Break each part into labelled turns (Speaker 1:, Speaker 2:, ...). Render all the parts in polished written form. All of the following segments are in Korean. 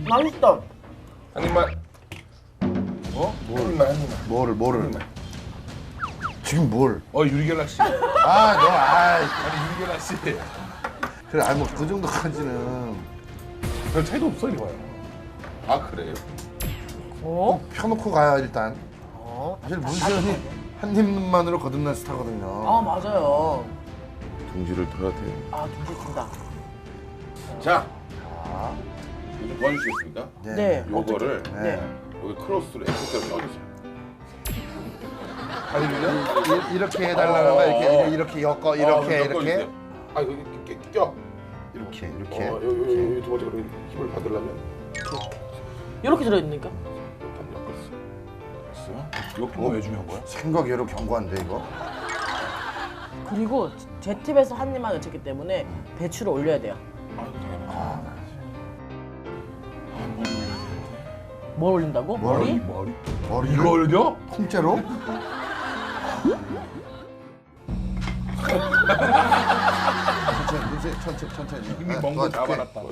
Speaker 1: 맛있다.
Speaker 2: 한 입만. 어? 한 입만.
Speaker 3: 뭐를? 지금 뭘?
Speaker 2: 유리겔라 씨.
Speaker 3: 너, 아이.
Speaker 2: 아니 유리겔라 씨.
Speaker 3: 그래, 아니, 그 정도까지는.
Speaker 2: 별 차이도 없어 이거요. 아 그래요?
Speaker 1: 어?
Speaker 3: 펴놓고 가야, 일단.
Speaker 1: 어?
Speaker 3: 사실 문세현이 한 입만으로 거듭난 스타거든요.
Speaker 1: 아 맞아요.
Speaker 2: 둥지를 둬야 돼.
Speaker 1: 아 둥지 튼다.
Speaker 2: 자, 이거 좀 도와주시겠습니까?
Speaker 1: 네.
Speaker 2: 요거를
Speaker 1: 네.
Speaker 2: 여기 크로스로 X자로 넣어주세요. 아니면요?
Speaker 3: 이렇게 해달라는 거야. 이렇게 엮어, 이렇게.
Speaker 2: 아 여기 껴.
Speaker 3: 이렇게.
Speaker 2: 여기 두 번째 거를 힘을 받으려면
Speaker 1: 이렇게 들어있니까?
Speaker 2: 일단 엮었어. 됐어? 엮은 거왜 중요한 거야?
Speaker 3: 생각외로 견고한데, 이거?
Speaker 1: 그리고 제 팁에서 한 입만 외쳤기 때문에 배추를 올려야 돼요. 뭘 올린다고? 머리?
Speaker 3: 머리를?
Speaker 2: 이거 올려?
Speaker 3: 통째로? 천천히.
Speaker 2: 이미 먼 거 잡아놨다.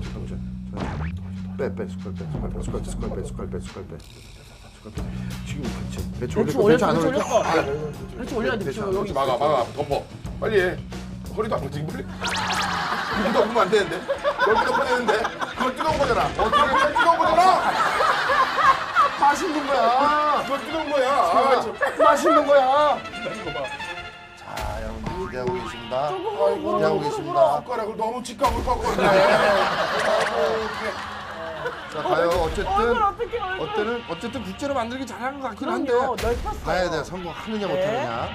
Speaker 3: 숟갈 빼. 지금 배추
Speaker 1: 배추
Speaker 3: 올릴
Speaker 1: 올렸어.
Speaker 3: 안
Speaker 1: 배추
Speaker 3: 올릴까?
Speaker 1: 올렸어. 배추 올려야 돼. 배추 여기
Speaker 2: 그렇지 막아 덮어. 빨리 해. 허리도 안 뻗지 빨리. 여기도 엎으면 안 되는데. 여기도 뻗는데. 그걸 뜨거운 거잖아. 어떻게 뜨거운 거잖아.
Speaker 3: 맛있는 거야.
Speaker 2: 그걸 뜨거운 거야. 아,
Speaker 3: 맛있는 거야.
Speaker 2: 이거 봐.
Speaker 3: 자, 여러분 기대하고 계십니다.
Speaker 2: 아이고,
Speaker 3: 기대하고 계십니다.
Speaker 2: 숟가락을 너무 직각으로 꺾었네.
Speaker 3: 자, 가요.
Speaker 1: 어떡해.
Speaker 3: 어쨌든 국제로 만들기 잘하는 것 같긴 한데.
Speaker 1: 그럼요. 넓혔어요.
Speaker 3: 봐야 돼. 성공하느냐
Speaker 1: 네.
Speaker 3: 못하느냐.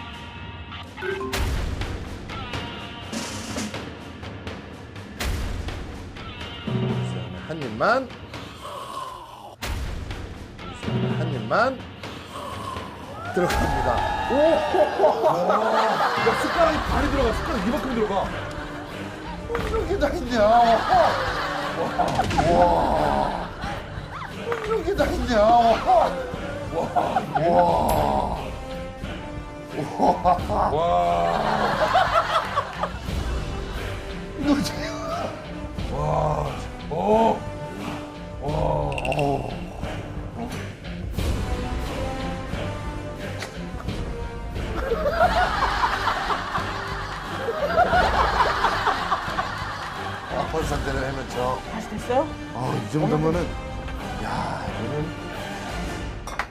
Speaker 3: 한 입만. 한 입만. 들어갑니다.
Speaker 2: 야, 숟가락이 발이 들어가. 숟가락 이만큼 들어가.
Speaker 3: 이렇게 다 있냐? 와. 이렇게 다 있냐? 이거 지금. 벌산대를 헤맨쳐.
Speaker 1: 다시 됐어요?
Speaker 3: 이 정도면은, 야, 이거는